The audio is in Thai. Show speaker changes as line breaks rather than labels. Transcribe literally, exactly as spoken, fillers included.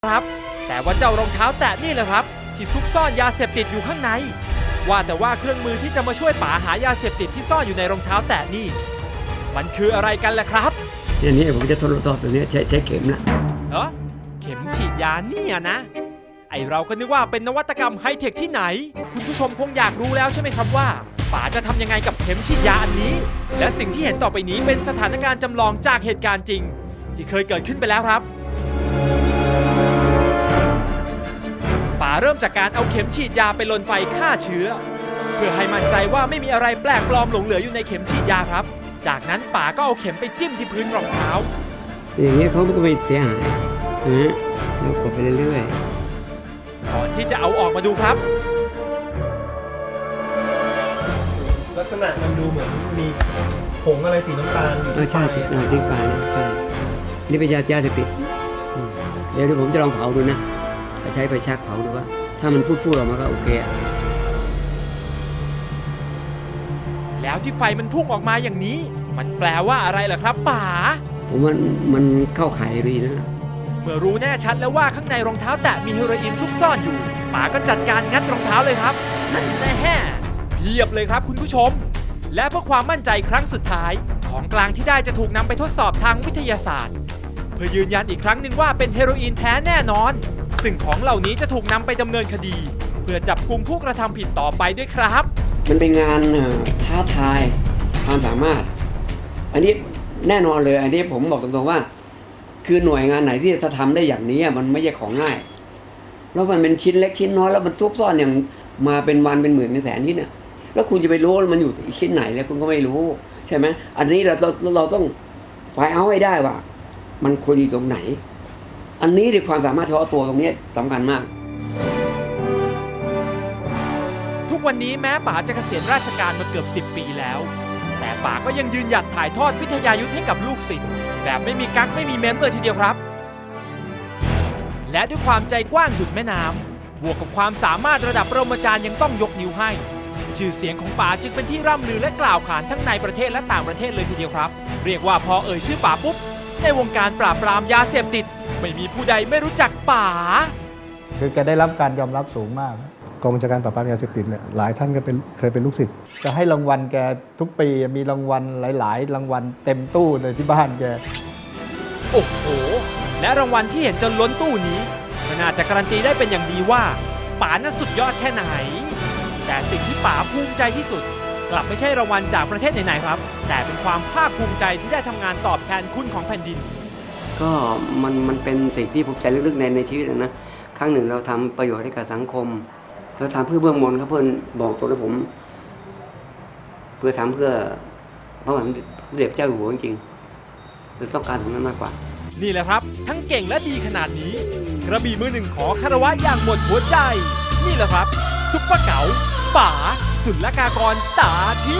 ครับแต่ว่าเจ้ารองเท้าแตะนี่แหละครับที่ซุกซ่อนยาเสพติดอยู่ข้างในว่าแต่ว่าเครื่องมือที่จะมาช่วยป๋าหายาเสพติดที่ซ่อนอยู่ในรองเท้าแตะนี่มันคืออะไรกันล่ะครับ
อันนี้ผมจะทดลองตัวนี้ใช้ใช้เข็มละ
เหรอเข็มฉีดยาเนี่ยนะไอเราก็นึกว่าเป็นนวัตกรรมไฮเทคที่ไหนคุณผู้ชมคงอยากรู้แล้วใช่ไหมครับว่าป๋าจะทำยังไงกับเข็มฉีดยาอันนี้และสิ่งที่เห็นต่อไปนี้เป็นสถานการณ์จำลองจากเหตุการณ์จริงที่เคยเกิดขึ้นไปแล้วครับป๋าเริ่มจากการเอาเข็มฉีดยาไปลนไฟฆ่าเชื้อเพื่อให้มั่นใจว่าไม่มีอะไรแปลกปลอมหลงเหลืออยู่ในเข็มฉีดยาครับจากนั้นป๋าก็เอาเข็มไปจิ้มที่พื้นรองเท้า
อย่างนี้เขาก็ไม่เสียหายนะแล้วกดไปเรื่อย
ๆก่อนที่จะเอาออกมาดูครับ
ลักษณะมันดูเหมือนมีผงอะไรสีน้ำตาลอยู่ที่
ใช่ติดติดปลายนะใช่นี่เป็นยายาเสพติดเดี๋ยวผมจะลองเผาดูนะใช้ไฟแช็กเผาดูว่าถ้ามันฟูดๆออกมาก็โอเค
แล้วที่ไฟมันพุ่งออกมาอย่างนี้มันแปลว่าอะไรล่ะครับป๋า
ผมว่ามันเข้าข่ายดีแล้ว
เมื่อรู้แน่ชัดแล้วว่าข้างในรองเท้าแตะมีเฮโรอีนซุกซ่อนอยู่ป๋าก็จัดการงัดรองเท้าเลยครับนั่นแน่เพียบเลยครับคุณผู้ชมและเพื่อความมั่นใจครั้งสุดท้ายของกลางที่ได้จะถูกนำไปทดสอบทางวิทยาศาสตร์เพื่อยืนยันอีกครั้งหนึ่งว่าเป็นเฮโรอีนแท้แน่นอนซึ่งของเหล่านี้จะถูกนำไปดำเนินคดีเพื่อจับกุมผู้กระทำผิดต่อไปด้วยครับ
มันเป็นงานท้าทายความสามารถอันนี้แน่นอนเลยอันนี้ผมบอกตรงๆว่าคือหน่วยงานไหนที่จะทำได้อย่างนี้มันไม่ใช่ของง่ายแล้วมันเป็นชิ้นเล็กชิ้นน้อยแล้วมันซุกซ่อนอย่างมาเป็นวันเป็นหมื่นเป็นแสนนี่เนี่ยแล้วคุณจะไปรู้มันอยู่ชิ้นไหนแล้วคุณก็ไม่รู้ใช่ไหมอันนี้เราเราเราต้องไฟล์เอาให้ได้ว่ามันควรอยู่ตรงไหนอันนี้ในความสามารถเฉพาะตัวตรงนี้สำคัญมาก
ทุกวันนี้แม้ป๋าจะเกษียณราชการมาเกือบสิบปีแล้วแต่ป๋าก็ยังยืนหยัดถ่ายทอดวิทยายุทธให้กับลูกศิษย์แบบไม่มีกั๊กไม่มีเม้มเลยทีเดียวครับและด้วยความใจกว้างดุจแม่น้ำบวกกับความสามารถระดับปรมาจารย์ยังต้องยกนิ้วให้ชื่อเสียงของป๋าจึงเป็นที่ร่ำลือและกล่าวขานทั้งในประเทศและต่างประเทศเลยทีเดียวครับเรียกว่าพอเอ่ยชื่อป๋าปุ๊บในวงการปราบปรามยาเสพติดไม่มีผู้ใดไม่รู้จักป๋า
คือแกได้รับการยอมรับสูงมากกองบัญชาการปราบปรามยาเสพติดเนี่ยหลายท่านก็เป็นเคยเป็นลูกศิษย์จะให้รางวัลแกทุกปีมีรางวัลหลายๆรางวัลเต็มตู้เลยที่บ้านแก
โอ้โหและรางวัลที่เห็นจนล้นตู้นี้ก็น่าจะการันตีได้เป็นอย่างดีว่าป๋านั้นสุดยอดแค่ไหนแต่สิ่งที่ป๋าภูมิใจที่สุดกลับไม่ใช่รางวัลจากประเทศไหนๆครับแต่เป็นความภาคภูมิใจที่ได้ทำงานตอบแทนคุณของแผ่นดิน
ก็มันมันเป็นสิ่งที่ภูมิใจลึกๆในในชีวิตนะครั้งหนึ่งเราทำประโยชน์ให้กับสังคมเราทำเพื่อเบื้องบนครับเพื่อนบอกตัวแล้วผมเพื่อทำเพื่อพระบาทสมเด็จพระเจ้าอยู่หัวจริงๆคือต้องการตรงนั้นมากกว่า
นี่แหละครับทั้งเก่งและดีขนาดนี้กระบี่มือหนึ่งขอคารวะอย่างหมดหัวใจนี่แหละครับซุปเปอร์เก๋าป๋าศุลกากรตาทิ